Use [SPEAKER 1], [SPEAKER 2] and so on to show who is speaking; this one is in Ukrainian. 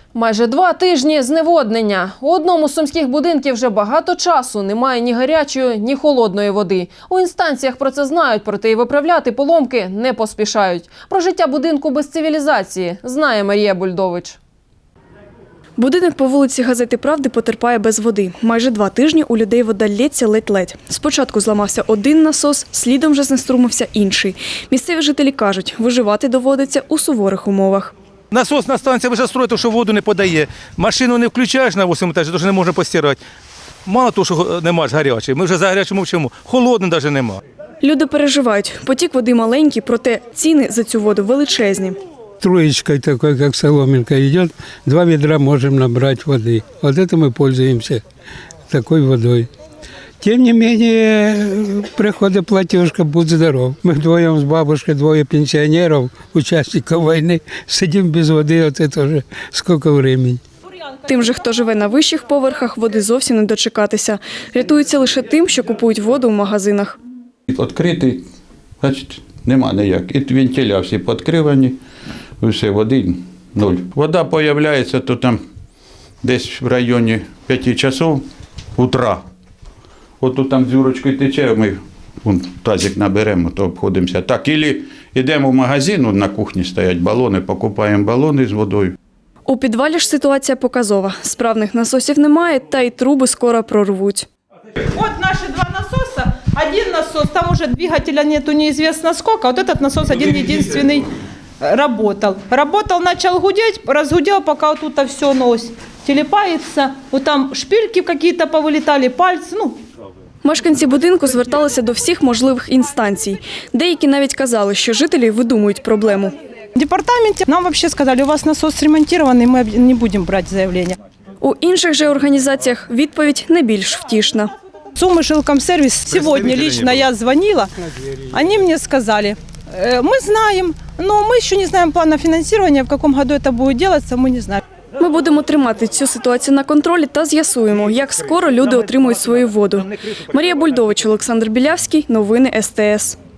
[SPEAKER 1] Майже 2 тижні зневоднення. У одному з сумських будинків вже багато часу немає ні гарячої, ні холодної води. У інстанціях про це знають, проте і виправляти поломки не поспішають. Про життя будинку без цивілізації знає Марія Бульдович.
[SPEAKER 2] Будинок по вулиці Газети Правди потерпає без води. Майже 2 тижні у людей вода лється ледь-ледь. Спочатку зламався один насос, слідом вже знеструмився інший. Місцеві жителі кажуть, виживати доводиться у суворих умовах.
[SPEAKER 3] Насосна станція вже строїть, що воду не подає. Машину не включаєш на 8 етажі, тому що не можна постирати. Мало того, що нема ж гарячої, ми вже за гарячим мовчимо. Холодної навіть нема.
[SPEAKER 2] Люди переживають. Потік води маленький, проте ціни за цю воду величезні.
[SPEAKER 4] Троечкой такой, как соломинка идет, 2 ведра можем набрать воды. Вот это мы пользуемся такой водой. Тем не менее, приходит платежка, будь здоров. Мы вдвоем с бабушкой, 2 пенсионеров, участников войны, сидим без воды, вот это уже сколько времени.
[SPEAKER 2] Тим же, хто живе на вищих поверхах, води зовсім не дочекатися. Рятуються лише тим, що купують воду в магазинах.
[SPEAKER 5] Відкритий, значить, нема ніяк. І вентиля всі підкривані, все, води нуль. Вода з'являється то там десь в районі 5 часов утра. От тут там дзюрочкою тече, ми тазик наберемо, то обходимося так. Ілі йдемо в магазин, на кухні стоять балони, покупаємо балони з водою.
[SPEAKER 2] У підвалі ж ситуація показова. Справних насосів немає, та й труби скоро прорвуть.
[SPEAKER 6] Вот наши 2 насоса. Один насос, там уже двигателя нету неизвестно сколько. Вот этот насос один единственный работал. Работал, начал гудеть, разгудел, пока вот тут все нос телепается. Вот там шпильки какие-то повылетали, пальцы,
[SPEAKER 2] Мешканці будинку зверталися до всіх можливих інстанцій. Деякі навіть казали, що жителі видумують проблему.
[SPEAKER 6] В департаменте нам вообще сказали, у вас насос ремонтированный, мы не будем брать заявление.
[SPEAKER 2] У інших же організаціях відповідь не більш втішна.
[SPEAKER 6] Сумы Жилкомсервис. Сегодня лично я звонила, они мне сказали, мы знаем, но мы еще не знаем плана финансирования, в каком году это будет делаться, мы не знаем.
[SPEAKER 2] Ми будемо тримати цю ситуацію на контролі та з'ясуємо, як скоро люди отримують свою воду. Марія Бульдович, Олександр Білявський. Новини СТС.